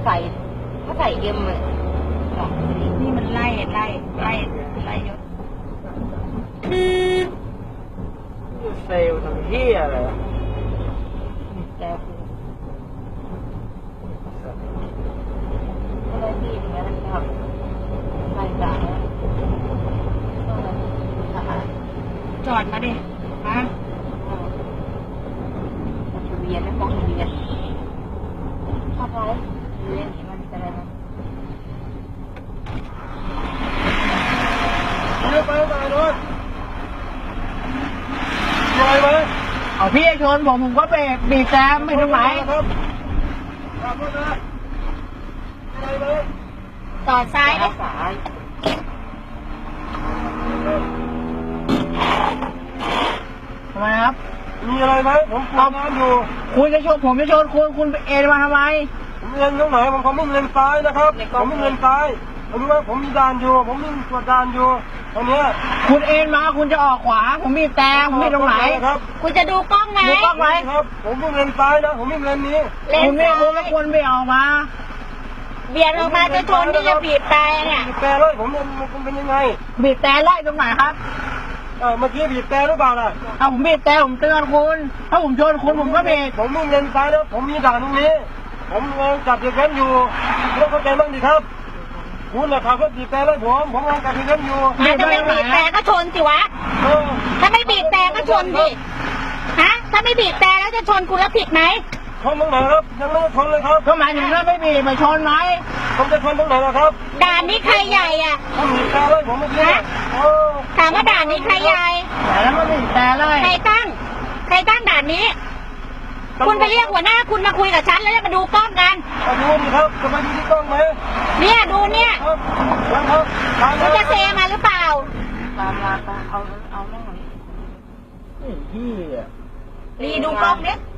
ใส่เขาใส่เอ็มเลยนี่มันไล่เยอะเซลล์ทำเหี้ยอะไรแล้วก็เลยพี่อย่างนี้นะครับใส่จ่ายจอดมาดิฮะทะเบียนนะฟ้องทะเบียนเข้าไปทะเบียนเห็นมันจะอะไรมั้งไปโน่นลอยไหมเอาพี่ชนผมก็เบรกบีบแซมไม่ทำไมครับขับรถนะลอยไหมต่อซ้ายดิทำไมครับมีอะไรไหมผมทำงานอยู่คุณจะชนผมจะชนคุณเอ็นมาทำไมผมเรียนตรงไหนผมไม่เรียนซ้ายนะครับผมไม่เรียนซ้ายผมรู้ว่าผมมีด่านอยู่ผมมีตรวจด่านอยู่ตอนนี้คุณเอ็นมาคุณจะออกขวาผมมีแต่ผมมีตรงไหนครับคุณจะดูกล้องไหมดูกล้องไหมครับผมไม่เรียนซ้ายนะผมไม่เรียนนี้คุณไม่รู้แล้วควรไม่ออกมาเบียดออกมาจะชนที่จะบีบแต่เนี่ยบีบแต่เลยผมเป็นยังไงบีบแต่ไล่ตรงไหนครับเมื่อกี้บีบแต่หรือเปล่าล่ะผมบีบแต่ผมเตือนคุณถ้าผมชนคุณผมก็บีบผมไม่เรียนซ้ายนะผมมีด่านตรงนี้ผมจับเด็กเล่นอยู่ต้องเข้าใจบ้างดิครับคุณน่ะขับรถบีบแต่เลยผมกำลังจับเด็กเล่นอยู่ถ้าไม่บีบแต่ก็ชนสิวะถ้าไม่บีบแต่ก็ชนดิฮะถ้าไม่บีบแต่แล้วจะชนคุณแล้วผิดไหมชนตรงไหนครับยังไม่ชนเลยครับก็หมายถึงถ้าไม่บีบมาชนไหมผมจะชนตรงไหนล่ะครับด่านนี้ใครใหญ่อ่ะผมบีบแต่เลยผมไม่ใช่ถามว่าด่านนี้ใครใหญ่แล้วมันบีบแต่เลยใครตั้งด่านนี้คุณไปเรียกหัวหน้าคุณมาคุยกับฉันแล้วจะมาดูกล้องกันดูดิครับจะมาดูที่กล้องไหมเนี่ยดูเนี่ยคุณจะเซมาหรือเปล่าตามเอาแม่งหน่อยพี่รีดูกล้องเนี่ย